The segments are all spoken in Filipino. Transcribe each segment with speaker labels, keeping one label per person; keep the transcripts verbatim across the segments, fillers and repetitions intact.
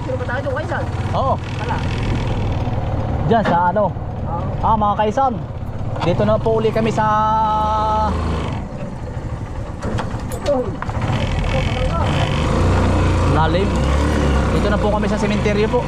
Speaker 1: Dito ba tayo doon kaysan?
Speaker 2: Oo.
Speaker 1: Wala.
Speaker 2: Diyan sa ano?
Speaker 1: Oo.
Speaker 2: Ah, mga kaisan. Dito na po uli kami sa
Speaker 1: Ito. Ito, palangga.
Speaker 2: lalim. Dito na po kami sa sementeryo po.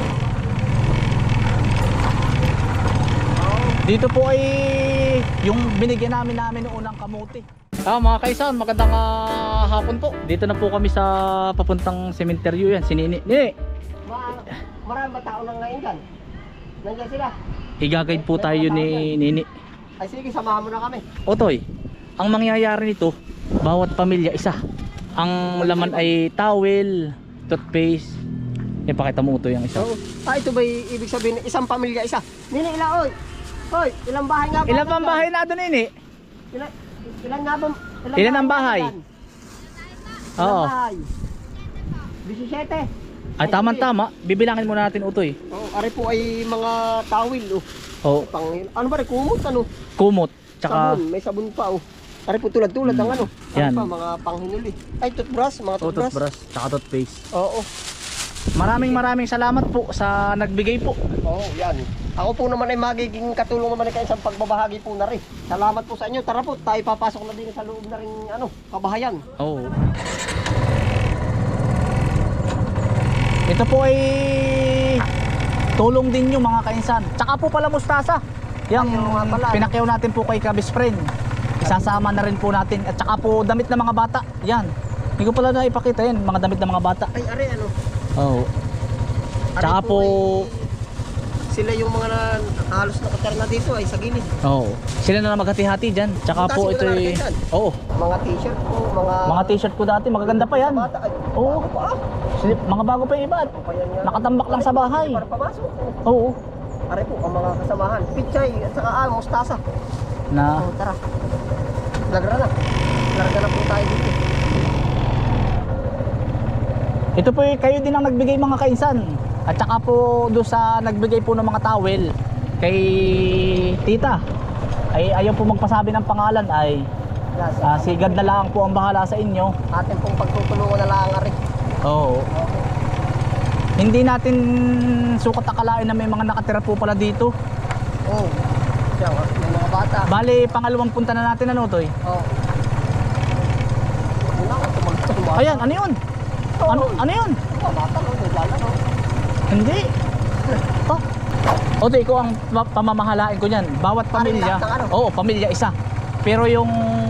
Speaker 2: Dito po ay yung binigyan namin namin noong unang kamuti. Ah, mga kaisan, magandang uh, hapon po. Dito na po kami sa papuntang sementeryo yan. Sinini. Nini.
Speaker 1: Ma marami ba tao nang ngayon dyan? Nandiyan sila.
Speaker 2: I-guide po tayo ni Nini.
Speaker 1: Ay sige, samahan mo na kami.
Speaker 2: Otoy, ang mangyayari nito, bawat pamilya isa. Ang laman ay towel, toothpaste. Ipakita mo Utoy ang isa.
Speaker 1: Oo. Ah, ito ba ibig sabihin isang pamilya isa? Nini, ilan oy? Hoy, ilang bahay nga ba?
Speaker 2: Ilan pang bahay na doon, Nini?
Speaker 1: Ilan, ilan nga ba?
Speaker 2: Ilan ang bahay?
Speaker 1: Ilan
Speaker 2: Oo.
Speaker 1: bahay? disisiete.
Speaker 2: Ay, tama-tama. Bibilangin muna natin, Utoy.
Speaker 1: Oh, ari po ay mga tawil oh.
Speaker 2: Oh,
Speaker 1: Pang ano ba rin kumot ano?
Speaker 2: kumot. Tsaka,
Speaker 1: Sabon, may sabon pa oh. Ari po tulad-tulad ng ano. Ari
Speaker 2: Yan.
Speaker 1: pa mga panghinuli. Ay toothbrush, mga
Speaker 2: oh,
Speaker 1: toothbrush.
Speaker 2: toothbrush, tsaka toothpaste.
Speaker 1: Oo.
Speaker 2: Maraming maraming salamat po sa nagbigay po.
Speaker 1: Oo, yan. Ako po naman ay magiging katulong naman kayo sa pagbabahagi po na rin. Salamat po sa inyo. Tara po, tayo papasok na din sa loob na rin ano, kabahayan.
Speaker 2: Oo. Ito po ay tulong din yung mga kainsan. Tsaka po pala mustasa. Yang
Speaker 1: Ay, oo nga pala.
Speaker 2: pinakyaw natin po kay Kabis Friend. Isasama na rin po natin. At tsaka po damit ng mga bata. Yan. Hindi ko pala na ipakita yan. Mga damit ng mga bata.
Speaker 1: Ay, ari ano.
Speaker 2: Oo. Tsaka
Speaker 1: Ari
Speaker 2: po...
Speaker 1: ay- sila yung mga na, halos nakaterna dito ay sa gilid.
Speaker 2: Oo. Sila na lang maghati-hati dyan. Tsaka
Speaker 1: Butas
Speaker 2: po
Speaker 1: yung
Speaker 2: ito ay...
Speaker 1: nalalagay dyan.
Speaker 2: Oo.
Speaker 1: Mga t-shirt po, mga...
Speaker 2: Mga t-shirt ko dati. Magaganda pa yan.
Speaker 1: Bata, ay,
Speaker 2: Oo.
Speaker 1: bago pa ah.
Speaker 2: Sili- Mga bago pa yung iba.
Speaker 1: Pa yan nga.
Speaker 2: Nakatambak lang sa bahay.
Speaker 1: Para pamasok.
Speaker 2: Oo.
Speaker 1: Ari po, ang mga kasamahan. Pichay, at saka ah, mustasa.
Speaker 2: Na...
Speaker 1: Oh, tara. Lagra na. Larga na po tayo dito.
Speaker 2: Ito po eh, kayo din ang nagbigay mga kainsan. At saka po doon sa nagbigay po ng mga towel kay tita. Ay ayaw po magpasabi ng pangalan ay
Speaker 1: Yes,
Speaker 2: ah, si God na lang po ang bahala sa inyo.
Speaker 1: atin pong pagtutulungan na lang ari.
Speaker 2: Oo. Hindi natin sukat akalain na may mga nakatira po pala dito.
Speaker 1: Oh. Diyan, ah, may mga bata.
Speaker 2: Bali, pangalawang punta na natin ano to eh.
Speaker 1: Oh. Wala ko tumagtong.
Speaker 2: Ayan, ano yun? Ano, ano yun?
Speaker 1: Bata no, nagala no.
Speaker 2: Hindi. Oh. Oto, ikaw ang pa- pamamahalain ko niyan. Bawat pamilya.
Speaker 1: lahat ng ano?
Speaker 2: Oo, pamilya isa. Pero yung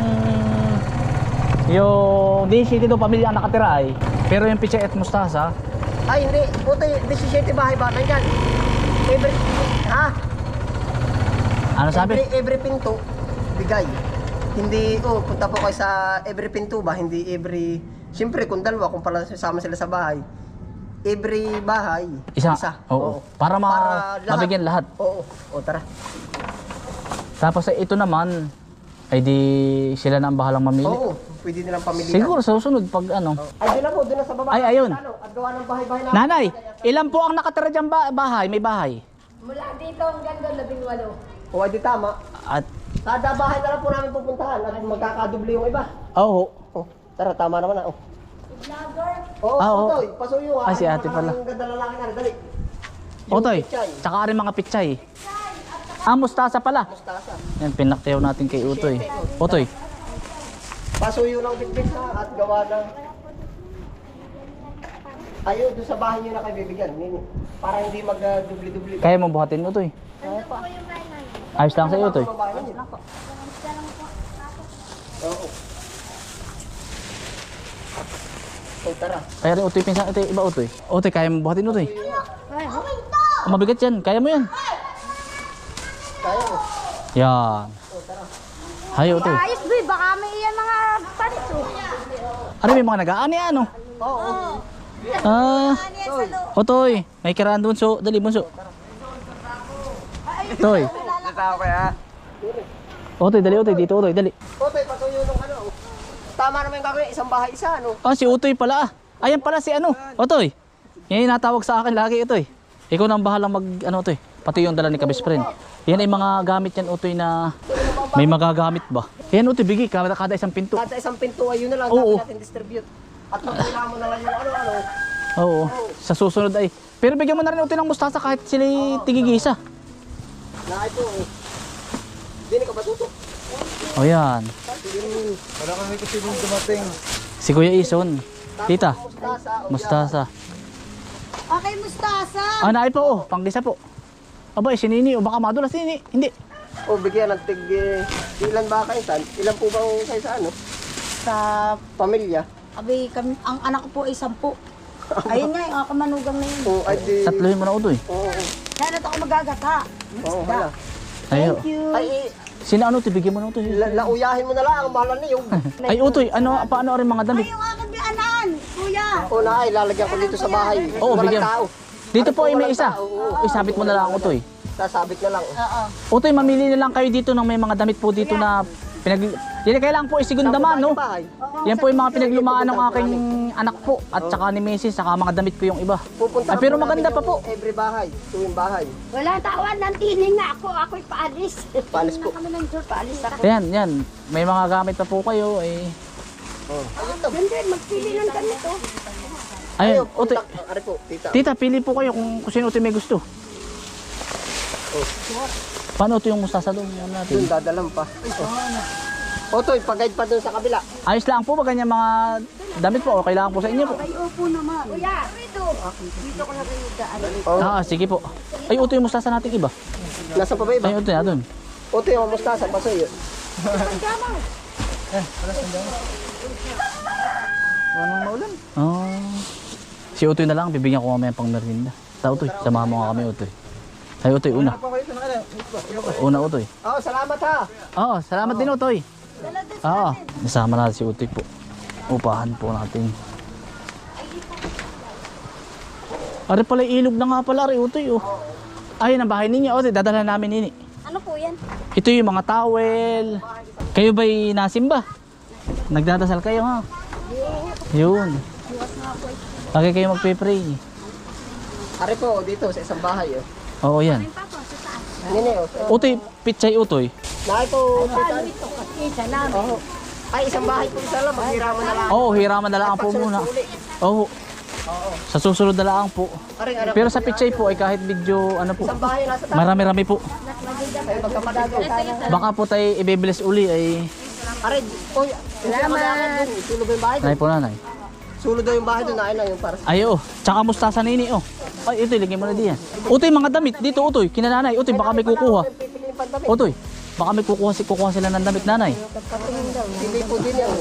Speaker 2: yung di city do pamilya ang nakatira ay. Pero yung pichay at mustasa,
Speaker 1: Ay hindi, puto disisiete bahay ba nandiyan? Every ha?
Speaker 2: ano sabi?
Speaker 1: Every, every pinto bigay. Hindi oh, punta po kayo sa every pinto ba, hindi every. Siyempre kung dalawa kung pala sama sila sa bahay. Every bahay
Speaker 2: Isa.
Speaker 1: Oo.
Speaker 2: Oo. Para ma- mabigyan lahat.
Speaker 1: Oo. O tara.
Speaker 2: Tapos eh, ito naman ay di sila na ang bahalang mamili.
Speaker 1: Oo, pwede nilang pamilihan.
Speaker 2: Siguro sa susunod pag ano.
Speaker 1: Ay, doon na po, doon na sa baba.
Speaker 2: Ay, ayun.
Speaker 1: Ano, at gawa ng bahay-bahay namin.
Speaker 2: Nanay, ilan po ang nakatira diyan ba bahay? May bahay.
Speaker 3: Mula dito hanggang doon, labing walo.
Speaker 1: O, ay di tama.
Speaker 2: At
Speaker 1: Kada bahay na lang po namin pupuntahan at magkakadubli yung iba.
Speaker 2: oo.
Speaker 1: Oh, tara, tama naman na. Oh.
Speaker 3: Vlogger.
Speaker 1: Oo,
Speaker 2: Ah,
Speaker 1: oh,
Speaker 2: oo.
Speaker 1: Otoy, pasuyo ah.
Speaker 2: Ah, si ate pala.
Speaker 1: Ang ganda lalaki na, dali. Yung
Speaker 2: Otoy,
Speaker 1: pichay,
Speaker 2: tsaka rin mga pichay. Ah, mustasa pala.
Speaker 1: mustasa.
Speaker 2: Yan, pinaktayaw natin kay Utoy. Utoy.
Speaker 1: Pasuyo lang bitbit na at gawa ng... Ayun, doon sa bahay nyo na kayo bibigyan. Nini. Para hindi mag-dubli-dubli.
Speaker 2: Kaya mo buhatin Utoy? Ayos lang sa iyo Utoy.
Speaker 1: Oo. O, tara.
Speaker 2: Kaya rin Utoy, pinsan ito iba Utoy. Utoy, kaya mo buhatin Utoy? Oh, mabigat yan, kaya mo yan.
Speaker 1: Kaya mo.
Speaker 2: Yan. Hay Utoy.
Speaker 3: Ayos, boy. Baka may iyan mga panis, oh.
Speaker 2: Ano may mga nag-aani ano?
Speaker 1: Oo.
Speaker 2: Ah, Utoy, may kiraan doon so, dali bunso. Utoy.
Speaker 1: Natao ko ya.
Speaker 2: Utoy, dali Utoy, dito Utoy, dali.
Speaker 1: Otoy, pasuyo nung ano. Tama naman yung gagawin, isang bahay isa, ano?
Speaker 2: Ah, si Utoy pala ah. Ayan pala si ano, Utoy. Yan yung natawag sa akin lagi Utoy. Ikaw na ang bahalang mag, ano Utoy, pati yung dala ni Kabis Friend. Yan ay mga gamit yan Utoy na may magagamit ba. Yan Utoy, bigay kada, kada isang pinto.
Speaker 1: Kada isang pinto ay yun na lang,
Speaker 2: Oo.
Speaker 1: dapat natin distribute. At magkailangan mo na lang yung ano-ano.
Speaker 2: Oo.
Speaker 1: Oh,
Speaker 2: Sa susunod ay. Pero bigyan mo na rin utoy ng mustasa kahit sila tigigisa.
Speaker 1: Na ito eh. Hindi ka ba tutok?
Speaker 2: O yan.
Speaker 4: Wala kami kasi nung dumating.
Speaker 2: Si Kuya Ison. Tita,
Speaker 1: Mustasa.
Speaker 2: mustasa.
Speaker 3: Okay, mustasa.
Speaker 2: Ah, naay po, oh, panggisa po. Aba, eh, si Nini, o baka madulas si Nini. Hindi.
Speaker 1: O bigyan ng tig... eh, ilan ba kayo saan? Ilan po ba ang kayo sa ano? Sa pamilya?
Speaker 3: Abi, kami, ang anak ko po ay sampu. Ayun nga, yung kamanugang na yun.
Speaker 1: O ay di...
Speaker 2: Tatluhin mo na utoy.
Speaker 1: Oo. oo.
Speaker 3: Kaya na ako magagata.
Speaker 1: Oo, hala.
Speaker 2: Ayo.
Speaker 3: Thank you.
Speaker 1: Ay, eh,
Speaker 2: Sino ano, tibigyan mo na utoy.
Speaker 1: la lauyahin mo na lang. Ang mahal na yung...
Speaker 2: Ay, utoy, ano, paano rin mga damit?
Speaker 3: Ay, yung aking bianan, kuya.
Speaker 1: O na ay, lalagyan ko dito sa bahay.
Speaker 2: Oo,
Speaker 1: Walang
Speaker 2: bigyan.
Speaker 1: tao.
Speaker 2: Dito po ay may
Speaker 1: Walang
Speaker 2: isa.
Speaker 1: tao, oo.
Speaker 2: Isabit mo na lang utoy.
Speaker 1: Sasabit na lang.
Speaker 3: Oo.
Speaker 2: Utoy, mamili na lang kayo dito ng may mga damit po dito na pinag... Yan kailangan po isigundaman, no?
Speaker 1: Bahay.
Speaker 2: Yan po yung mga pinaglumaan ng aking anak po at saka ni Missus saka mga damit ko yung iba.
Speaker 1: Pupunta
Speaker 2: Ay, pero maganda pa po.
Speaker 1: Every bahay. Tuwing bahay.
Speaker 3: Wala tawan, nantining na ako. Ako'y paalis.
Speaker 1: Paalis po.
Speaker 3: Kami ng tour, paalis ako.
Speaker 2: Yan, yan. May mga gamit pa po kayo eh.
Speaker 3: Ganda, magpili ng ganito.
Speaker 2: Ayun, utoy.
Speaker 1: punta- Ari po, tita.
Speaker 2: Tita, pili po kayo kung, kung sino utoy may gusto. Paano ito yung mustasa doon? Ano natin?
Speaker 1: Doon dadalang pa. O Toy, pag-guide pa doon sa kabila.
Speaker 2: Ayos lang po ba ganyan mga damit po o kailangan po sa inyo po?
Speaker 3: Ay, opo naman. Kuya, dito. Dito ko na kayo daan.
Speaker 1: Oh.
Speaker 2: Ah, sige po. Ay, uto yung mustasa natin iba.
Speaker 1: Nasa pa ba iba?
Speaker 2: Ay, uto na doon.
Speaker 1: O Toy, ang mustasa, pasoy.
Speaker 4: Anong maulan?
Speaker 2: Oh. Si Utoy na lang, bibigyan ko mamaya pang merienda. Sa Utoy, samahan mo nga kami Utoy. Ay, Utoy, una.
Speaker 4: Pa kayo sa nakala.
Speaker 2: Una, Utoy.
Speaker 1: Oh, salamat ha.
Speaker 2: Oo, salamat din Utoy. Oo, nasama natin si Utoy po. Upahan po natin. Ari pala, ilog na nga pala, Ari Utoy. Oh. Ayun ang bahay ninyo. Utoy, dadalhan namin nini.
Speaker 3: Ano po yan?
Speaker 2: Ito yung mga towel. Kayo ba'y nasimba? Nagdadasal kayo ha? Yun. Lagi kayo magpe-pray.
Speaker 1: Ari po, dito sa isang bahay. Oh.
Speaker 2: Oo yan.
Speaker 1: Nini, oh.
Speaker 2: Utoy, pitsay Utoy.
Speaker 1: Nakay po, tita.
Speaker 3: Ito kasi isa namin.
Speaker 1: Oh. Ay, isang bahay po isa lang. Maghiraman na lang.
Speaker 2: Oo, hiraman na lang po muna. Oo. Sa susunod na lang po.
Speaker 1: Aring, anak.
Speaker 2: Pero sa pitsay po ay kahit video ano po.
Speaker 1: Isang bahay nasa taas.
Speaker 2: Marami-rami po.
Speaker 1: Ay, magkapatid ko.
Speaker 2: Baka po tayo ibibilis uli ay
Speaker 1: Ari, oy, salamat. Sulo ba yung bahay
Speaker 2: nanay
Speaker 1: doon?
Speaker 2: po nanay.
Speaker 1: Sulo daw yung bahay doon. Nain lang yung para sa...
Speaker 2: Ay oo. Tsaka mustasa nini oh. Ay ito ilagay mo na diyan. Utoy mga damit dito Utoy. Kinananay. Utoy baka may kukuha.
Speaker 1: Pipili yung pandamit.
Speaker 2: Utoy. Baka may kukuha si kukuha sila ng damit nanay.
Speaker 1: Pili po din yan.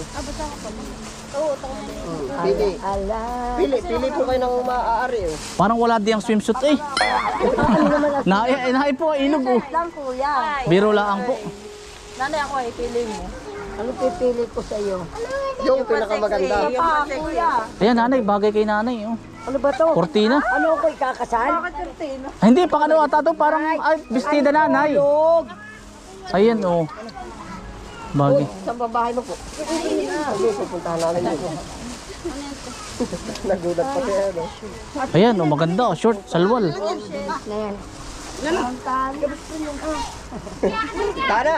Speaker 1: Pili. Pili, pili po kayo ng maaari. Oh.
Speaker 2: Parang wala diyang swimsuit eh. na eh, nahay po ilog oh.
Speaker 3: Lang kuya.
Speaker 2: Biro lang po.
Speaker 3: Nanay ako ay pili mo. Ano pipili ko sa iyo?
Speaker 1: Yung pinakamaganda.
Speaker 3: Pa, kuya.
Speaker 2: Ayan nanay, bagay kay nanay oh.
Speaker 3: Ano ba to?
Speaker 2: Cortina.
Speaker 3: Ano ko ikakasal? Bakit kurtina?
Speaker 2: Ay, hindi pa ano ata to parang ay bestida nanay. Ayan oh. Bagay.
Speaker 1: Saan ba bahay mo po? Hindi, pupuntahan namin yun. Nagulat pa siya. No?
Speaker 2: Ayan oh, maganda oh, short, salwal.
Speaker 1: Tana!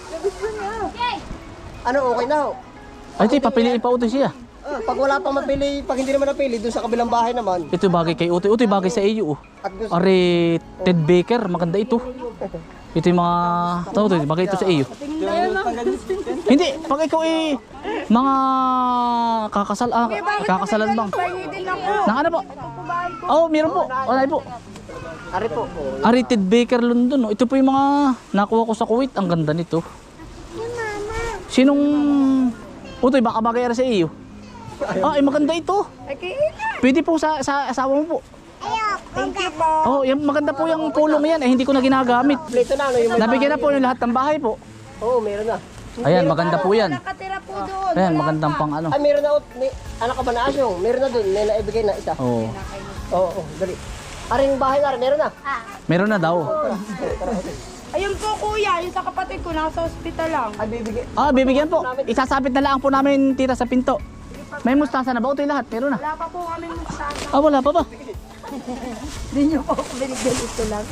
Speaker 1: Ano, okay na ho?
Speaker 2: Ay, ito, papiliin pa utoy siya.
Speaker 1: Ah, pag wala pang mapili, pag hindi naman napili, doon sa kabilang bahay naman.
Speaker 2: Ito bagay kay Utoy. Utoy bagay sa iyo oh.
Speaker 1: At doon sa...
Speaker 2: Ari Ted Baker, maganda ito. Ito yung mga tao to, bagay ito sa iyo. Hindi, pag ikaw eh mga kakasal ah, kakasalan bang? Nang ano po? Oh, meron po. Wala po.
Speaker 1: Ari po. Oh.
Speaker 2: Ari Ted Baker London. Oh. Ito po yung mga nakuha ko sa Kuwait. Ang ganda nito. Sinong Utoy baka bagay ara sa iyo? Ah, ay maganda ito. Pwede po sa, sa asawa mo po.
Speaker 3: Thank you po.
Speaker 2: Oh, yung maganda po yung pulong yan. Eh, hindi ko na ginagamit.
Speaker 1: Plito na, ano yung may...
Speaker 2: Nabigyan na po yung lahat ng bahay po.
Speaker 1: Oo, meron na.
Speaker 2: Ayan, maganda po yan.
Speaker 3: Nakatira po doon.
Speaker 2: Ayan, magandang pang ano.
Speaker 1: Ay, meron na. oh, May, anak ka ba na asyong? Meron na doon. May naibigay na isa.
Speaker 2: Oo.
Speaker 1: Oo, oh, dali. Ari yung bahay na rin, meron na.
Speaker 2: Meron na daw.
Speaker 5: Ayun po kuya, yung sa kapatid ko, nasa ospital lang.
Speaker 1: Ay, bibigay.
Speaker 2: Ah, bibigyan po. Isasabit na lang po namin tita sa pinto. May mustasa na ba? Ito yung lahat. Meron na.
Speaker 5: Wala pa po kami mustasa.
Speaker 2: Ah, wala pa ba?
Speaker 3: Hindi niyo po ako binigyan ito lang.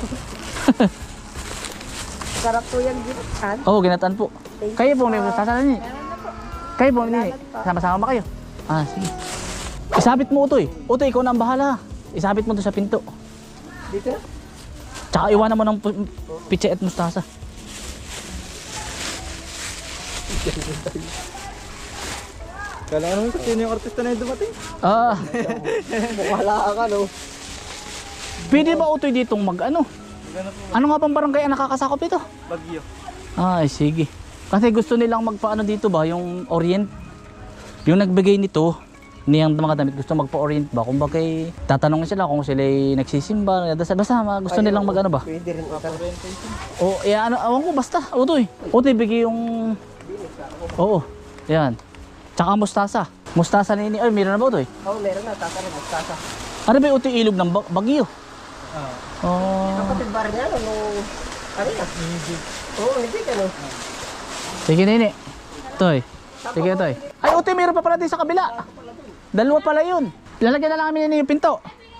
Speaker 3: Sarap po yung ginutan.
Speaker 2: Oo, oh, ginataan po. Kayo po, may mustasa na niyo. Kayo po, nini. Sama-sama ba kayo? Ah, sige. Isabit mo, Utoy. Utoy, ikaw na ang bahala. isabit mo to sa pinto.
Speaker 1: Dito na.
Speaker 2: Tsaka iwanan mo ng pu- pitse at mustasa.
Speaker 4: Kala ko naman kung sino yung artista na yung dumating.
Speaker 2: Ah,
Speaker 1: Wala ka, no?
Speaker 2: pwede ba utoy ditong mag ano? Ano nga bang barangay ang nakakasakop ito?
Speaker 4: Bagyo.
Speaker 2: Ay, sige. Kasi gusto nilang magpaano dito ba, yung orient. Yung nagbigay nito, niyang mga damit, gusto magpa-orient ba? Kung bakit tatanungin sila kung sila nagsisimba, basta, basta gusto nilang mag ano ba?
Speaker 1: Pwede rin.
Speaker 2: O, eh, ano, awan ko, basta, utoy. Utoy, bigay yung... Oo, yan. Tsaka mustasa. Mustasa ni, ay, meron na ba utoy?
Speaker 1: Oo, meron na. Tata rin. Magtasa.
Speaker 2: Ano ba yung utoy ilog ng ba- Bagyo? Oh.
Speaker 1: Kapatid ba rin yan? Nung... Ano yan? Oo, hindi ka, no?
Speaker 2: Sige, nini. Toy. Sige, toy. Ay, utoy, meron pa pala din sa kabila. Dalawa pala yun. Lalagyan na lang kami nini yung pinto.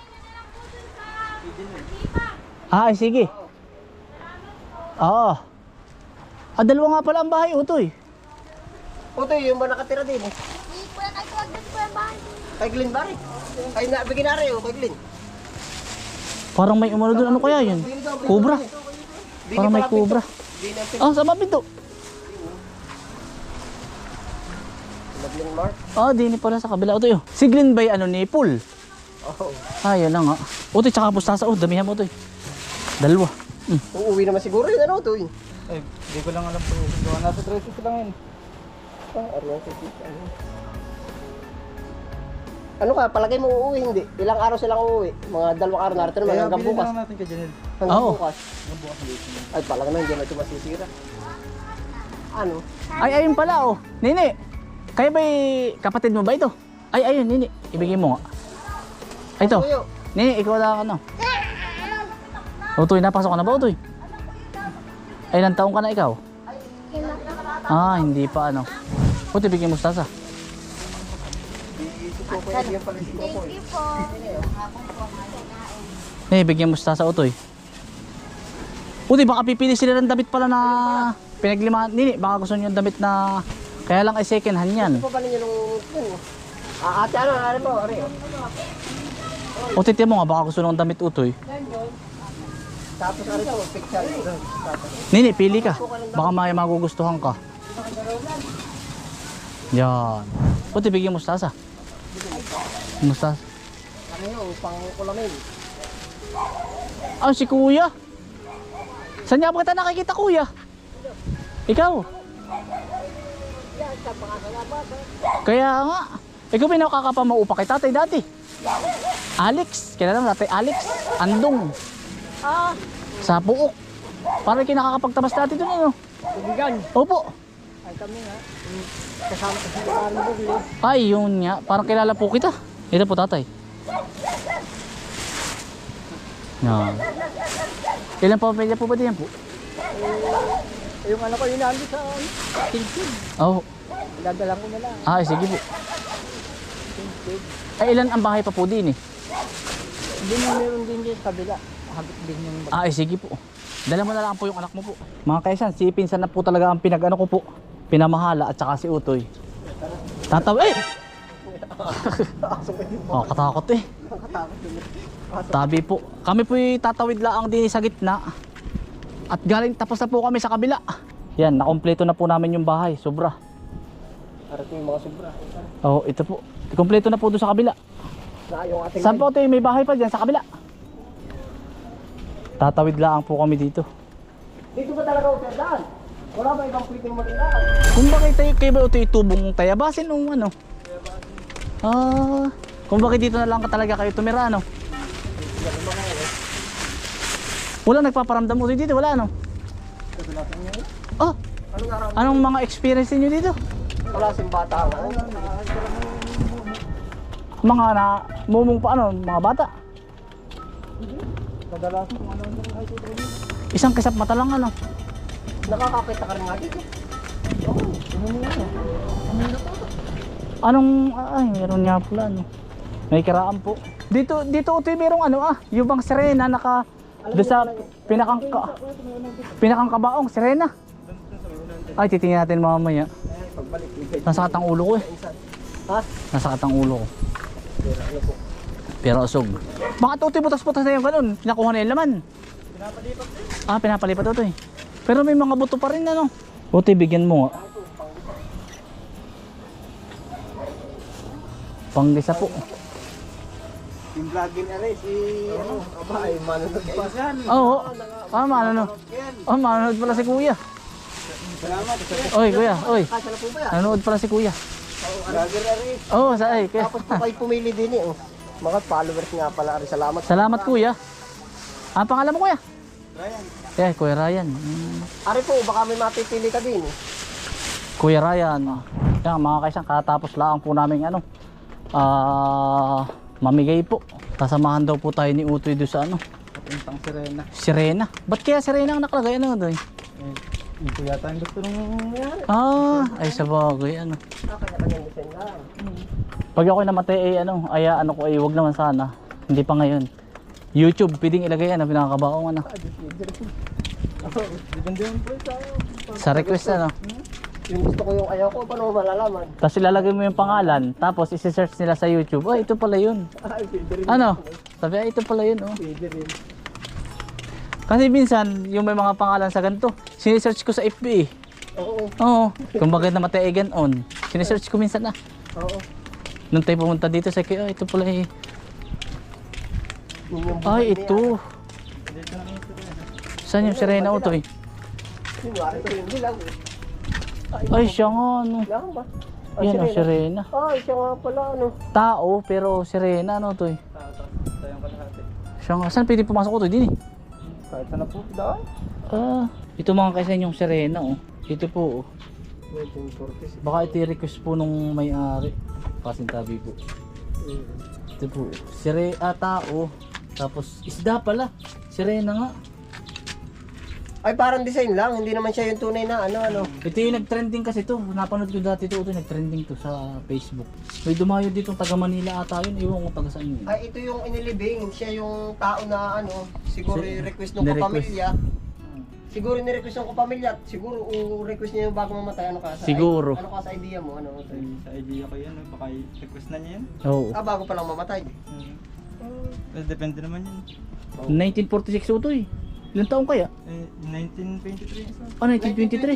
Speaker 2: Ah, ay, sige. Oo. Ah, dalawa nga pala ang bahay, utoy.
Speaker 1: Utoy, yung ba nakatira din eh?
Speaker 3: Hindi po yan, ay tuwag din po yung bahay.
Speaker 1: Kay Glenn ba rin? Ay, na, bigyan na rin, oh, kay Glenn.
Speaker 2: Parang may umano doon. Ano kaya yun? Cobra.
Speaker 1: Di
Speaker 2: Parang
Speaker 1: ni
Speaker 2: may
Speaker 1: pala pinto.
Speaker 2: cobra.
Speaker 1: Di na pinto.
Speaker 2: Ah, sa mga pinto.
Speaker 1: Glenn Mark.
Speaker 2: Ah, di ni pala sa kabila. Utoy, oh. Si Glenn ba yung ano ni Paul?
Speaker 1: Oo.
Speaker 2: Ah, yan lang nga. Utoy, tsaka pustasa. Oh, damihan mo, utoy. Dalawa. Hmm.
Speaker 1: Uuwi naman siguro yun, ano, Utoy?
Speaker 4: Ay, di ko lang alam po. Gawa nasa tresis lang yun.
Speaker 1: Ah, Arnold, ano? Ano ka, palagay mo uuwi, hindi? Ilang araw silang uuwi? Mga dalawang araw narito naman,
Speaker 4: Kaya
Speaker 1: hanggang
Speaker 4: bilhin
Speaker 1: bukas.
Speaker 4: na lang natin kay Janelle.
Speaker 1: Hanggang
Speaker 2: Oo.
Speaker 1: bukas. Ay, palang na, hindi na ito masisira. Ano?
Speaker 2: Ay, ayun pala, oh. Nini, kayo ba'y kapatid mo ba ito? Ay, ayun, Nini. Ibigay mo nga. Ay, ito.
Speaker 1: Tuyo.
Speaker 2: Nini, ikaw lang ano. Utoy, napasok ka na ba, Utoy? Ay, ilang taong ka na ikaw? Ah, hindi pa ano. Utoy, bigyan mo mustasa.
Speaker 3: Thank you po.
Speaker 2: Nini, bigyan mo mustasa, Utoy. Utoy, baka pipili sila ng damit pala na pinaglimahan. Nini, baka gusto nyo yung damit na kaya lang ay second hand yan.
Speaker 1: Ano pa ba ninyo nung... yun? Ah, ate, ano, ano mo, ano yun?
Speaker 2: O titi mo nga, baka gusto ng damit, Utoy.
Speaker 1: Tapos ano ito, picture. Tapos,
Speaker 2: Nini, pili ka. Baka may magugustuhan ka. Yan. Utoy, bigyan mo mustasa. Mustasa.
Speaker 1: ano yun, pang kulamin.
Speaker 2: Ah, si kuya. Saan niya ba kita nakikita, kuya? Ikaw. Kaya nga. Ikaw ba nakakapamaupa kay tatay dati? Alex. Kilala mo tatay Alex. Andong.
Speaker 3: Ah,
Speaker 2: Sa Puok. Parang kinakakapagtabas dati doon, ano?
Speaker 1: Tubigan.
Speaker 2: Opo.
Speaker 1: Ay kami nga. Kasama sa sila ng bugli.
Speaker 2: Ay, yun nga. Parang kilala po kita. Ito po, tatay. Yan. Ilan pa pamilya po ba diyan po?
Speaker 1: Yung anak ko, yun nandun sa Tilsin.
Speaker 2: Oo. Oh.
Speaker 1: Dadala ko na lang.
Speaker 2: Ah, sige po. Ay, ilan ang bahay pa po din eh?
Speaker 1: Hindi mo meron din dyan sa kabila. Habit din yung...
Speaker 2: Ah, ay, sige po. Dala mo na lang po yung anak mo po. Mga kaisan, si Pinsan na po talaga ang pinag-ano ko po. Pinamahala at saka si Utoy. Tataw, eh! Oh, katakot eh. Tabi po. Kami po tatawid laang din sa gitna. At galing tapos na po kami sa kabila. Yan, nakompleto na po namin yung bahay. Sobra.
Speaker 1: Arating yung mga sobra.
Speaker 2: Oh, ito po. Kompleto na po doon sa kabila.
Speaker 1: Na yung ating...
Speaker 2: Saan po ito? May bahay pa dyan sa kabila. Tatawid laang po kami dito.
Speaker 1: Dito ba talaga ako daan? Wala ba ibang pwedeng mag-ilaan?
Speaker 2: Kung bakit tayo kayo ba ito itubong tayabasin o ano? Ah, kung bakit dito na lang ka talaga kayo tumira, ano? Wala nagpaparamdam mo dito, wala ano? Oh,
Speaker 1: Anong araw?
Speaker 2: anong mga experience niyo dito?
Speaker 1: Wala sing bata.
Speaker 2: Mga na mumong pa ano, mga bata.
Speaker 1: Kadalasan kung ano yung kahit ito.
Speaker 2: Isang kisap mata lang ano.
Speaker 1: Nakakakita ka rin nga dito. Oo, ano yan?
Speaker 2: Anong ay, meron nga pala ano. May kiraan po. Dito dito utoy merong ano ah, yung bang sirena naka doon sa pinakang ka, pinakang kabaong sirena. Ay, titingnan natin mamaya.
Speaker 1: Pagbalik, ligay.
Speaker 2: Nasa katang ulo ko eh.
Speaker 1: Ha?
Speaker 2: Nasa katang ulo ko. Pero usog. Bakit utoy butas-butas na yung ganun? Pinakuha na yung laman.
Speaker 4: Pinapalipat eh.
Speaker 2: Ah, pinapalipat utoy. Pero may mga buto pa rin ano. Utoy, bigyan mo nga. Panggisa po.
Speaker 1: Yung vlogging na rin, si... Ano? Aba, ay manunod pa.
Speaker 2: Oo. Ah, maano. Oh, manonood pala si kuya.
Speaker 1: Salamat.
Speaker 2: Oy, kuya. Oy.
Speaker 1: Kasya na po ba yan?
Speaker 2: Nanonood pala si kuya.
Speaker 1: Vlogger na rin.
Speaker 2: Oo, oh, sa ay. Kuya.
Speaker 1: Tapos po kayo pumili din eh. Oh. Mga followers nga pala rin. Salamat.
Speaker 2: Salamat kuya. Ang pangalan mo kuya?
Speaker 4: Ryan.
Speaker 2: Eh, Kuya Ryan. Hmm.
Speaker 1: Ari po, baka may mapipili ka din eh.
Speaker 2: Kuya Ryan. Yan mga kaisang, katapos lang po namin ano. Ah, mamigay po. Kasamahan daw po tayo ni Utoy doon sa ano.
Speaker 4: Papuntang Sirena.
Speaker 2: Sirena. Ba't kaya Sirena ang nakalagay? Ano doon?
Speaker 4: Eh, ito yata yung gusto nung yan.
Speaker 2: Ah, ay sa bagay ano.
Speaker 1: Ah, kanya-kanyang design lang.
Speaker 2: Pag ako'y namatay ay ano, ay ano ko ay wag naman sana. Hindi pa ngayon. YouTube, pwedeng ilagay ano, pinakabaong ano.
Speaker 4: Depende yun po sa...
Speaker 2: Sa request ano.
Speaker 1: Yung gusto ko yung ayaw ko, paano mo malalaman?
Speaker 2: Tapos ilalagay mo yung pangalan, tapos isi-search nila sa YouTube. Oh, ito pala yun.
Speaker 1: Ay, pwede rin.
Speaker 2: Ano? Sabi, ay ito pala yun oh.
Speaker 1: Pwede rin.
Speaker 2: Kasi minsan, yung may mga pangalan sa ganito, sinesearch ko sa F B eh.
Speaker 1: Oo,
Speaker 2: Oo. Kung bakit namatay ay ganon. Sinesearch ko minsan na.
Speaker 1: oo.
Speaker 2: Nung tayo pumunta dito, sa kaya, ito pala eh.
Speaker 1: Yun yung buhay
Speaker 2: Ay,
Speaker 1: niya.
Speaker 2: ito.
Speaker 4: Dito na yung Sirena.
Speaker 2: Saan yung Sirena Utoy?
Speaker 1: Yung wari ko hindi lang eh.
Speaker 2: Ay, siya nga ano.
Speaker 1: Lang ba? Ah,
Speaker 2: Yan ang
Speaker 1: sirena.
Speaker 2: Sirena.
Speaker 1: Ay, siya nga pala ano.
Speaker 2: Tao, pero Sirena ano Utoy?
Speaker 4: Tapos tayong kalahati.
Speaker 2: Siya nga. Saan pwede pumasok Utoy? Din eh.
Speaker 4: Kahit saan na po, daan.
Speaker 2: Ah, ito mga kaysa yung Sirena oh. Ito po oh.
Speaker 1: nineteen forty-six.
Speaker 2: Baka ito request po nung may-ari. Pasintabi po. Ito po. Sire, ah, tao. Tapos isda pala. Sirena nga.
Speaker 1: Ay, parang design lang. Hindi naman siya yung tunay na ano, ano.
Speaker 2: Ito yung nag-trending kasi to. Napanood ko dati to. Ito nag-trending to sa Facebook. May dumayo dito taga Manila ata yun. Iwan ko taga saan yun.
Speaker 1: Ay, ito yung inilibing. Siya yung tao na ano, siguro
Speaker 2: Si-
Speaker 1: i-request ng
Speaker 2: ni-request.
Speaker 1: kapamilya. Siguro ni-request ng kapamilya. Siguro u-request niya yung bago mamatay. Ano ka sa
Speaker 2: Siguro.
Speaker 1: Ano ka sa idea mo? Ano?
Speaker 4: Sa, sa idea ko yan, eh, baka i-request na niya yan.
Speaker 2: Oo.
Speaker 1: Ah, bago pa lang mamatay.
Speaker 4: Hmm. Eh, depende naman yan.
Speaker 2: nineteen forty-six ito eh. Ilang taon kaya?
Speaker 4: Eh, nineteen twenty-three isa.
Speaker 2: Ah, nineteen twenty-three.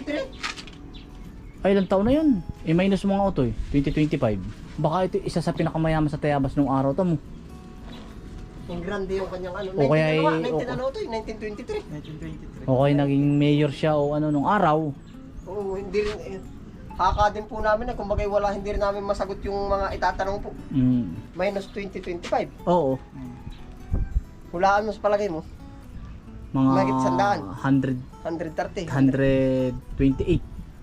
Speaker 2: Ay, ilang taon na yun? Eh, minus mga auto eh. twenty twenty-five. Baka ito isa sa pinakamayaman sa Tayabas nung araw to mo.
Speaker 1: Yung grande yung kanyang ano.
Speaker 2: O kaya
Speaker 1: nineteen, ano,
Speaker 2: ay-
Speaker 1: nga, nineteen
Speaker 2: o-
Speaker 1: ano to eh, nineteen twenty-three.
Speaker 4: nineteen twenty-three.
Speaker 2: O kaya naging mayor siya o ano nung araw.
Speaker 1: Oo, hindi rin eh. Haka din po namin na kumbaga wala hindi rin namin masagot yung mga itatanong po.
Speaker 2: Mm.
Speaker 1: Minus twenty twenty-five.
Speaker 2: Oo.
Speaker 4: Hmm.
Speaker 1: Hulaan mo sa palagay mo.
Speaker 2: Mga
Speaker 1: Mahigit sandaan.
Speaker 2: one hundred,
Speaker 1: one thirty.
Speaker 2: one twenty-eight.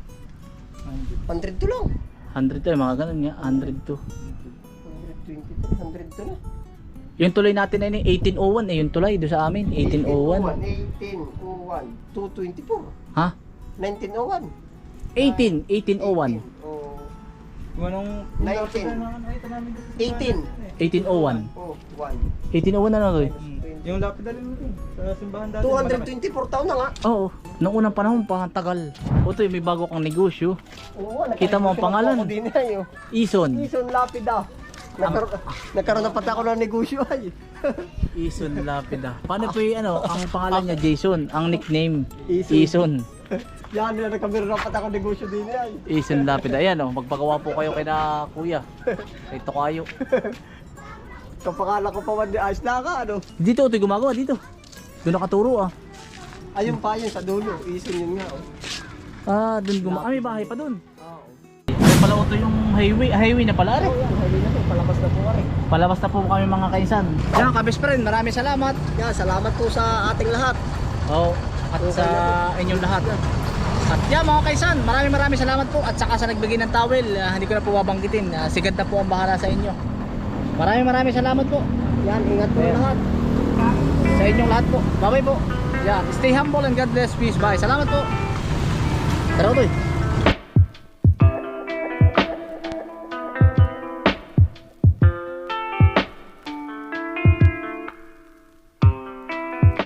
Speaker 1: one oh two lang.
Speaker 2: one hundred to eh, mga ganun nga. one oh two.
Speaker 1: one twenty-three, one oh two na.
Speaker 2: Yung tulay natin na yun, eighteen oh one eh, yung tulay doon sa amin, eighteen oh one.
Speaker 1: eighteen oh one. two twenty-four.
Speaker 2: Ha?
Speaker 1: nineteen oh one.
Speaker 2: eighteen, eighteen oh one.
Speaker 1: Oh,
Speaker 4: Kung anong...
Speaker 1: nineteen. eighteen.
Speaker 2: eighteen oh one.
Speaker 1: Oh, one.
Speaker 2: eighteen oh one ano to eh?
Speaker 4: Hmm. Yung lapidalin mo rin. Sa simbahan dati.
Speaker 1: two twenty-four taon na nga.
Speaker 2: Oo. Noong unang panahon pa, tagal. Otoy, may bago kang negosyo.
Speaker 1: Oo,
Speaker 2: Kita mo ang pangalan.
Speaker 1: Ako din ay, oh.
Speaker 2: Ison.
Speaker 1: Ison Lapida. Nagkaroon, nagkaroon na pati ako ng negosyo ay.
Speaker 2: Ison Lapida. Paano po yung ano, ang pangalan niya Jason, ang nickname
Speaker 1: Ison.
Speaker 2: Ison.
Speaker 1: Yan, na nagkaroon na pati ako ng negosyo din ay.
Speaker 2: Ison Lapida. Ayan oh, magpagawa po kayo kay na kuya. Kay Tokayo.
Speaker 1: Kapakala ko pa man di ayos na ka, ano.
Speaker 2: Dito ito gumagawa dito. Doon nakaturo ah.
Speaker 1: Ayun pa yun sa dulo. Ison yun nga, oh.
Speaker 2: Ah, doon gumagawa. Ah, may bahay pa doon. Ay pala ito yung highway, highway na pala rin.
Speaker 1: Oh, yan, highway na to. Palabas na po ka rin.
Speaker 2: Palabas na po kami mga kainsan. Yan ka best friend, maraming salamat.
Speaker 1: Yan, salamat po sa ating lahat.
Speaker 2: Oh, at sa inyong lahat. At yan mga kaisan, maraming maraming salamat po. At saka sa nagbigay ng towel, ah, hindi ko na po babanggitin. Uh, sigad na po ang bahala sa inyo. Maraming maraming salamat po.
Speaker 1: Yan, ingat po
Speaker 2: Ayan.
Speaker 1: lahat.
Speaker 2: Sa inyong lahat po. Bye bye po. Yan, stay humble and God bless. Peace. Bye. Salamat po. Tara, Utoy.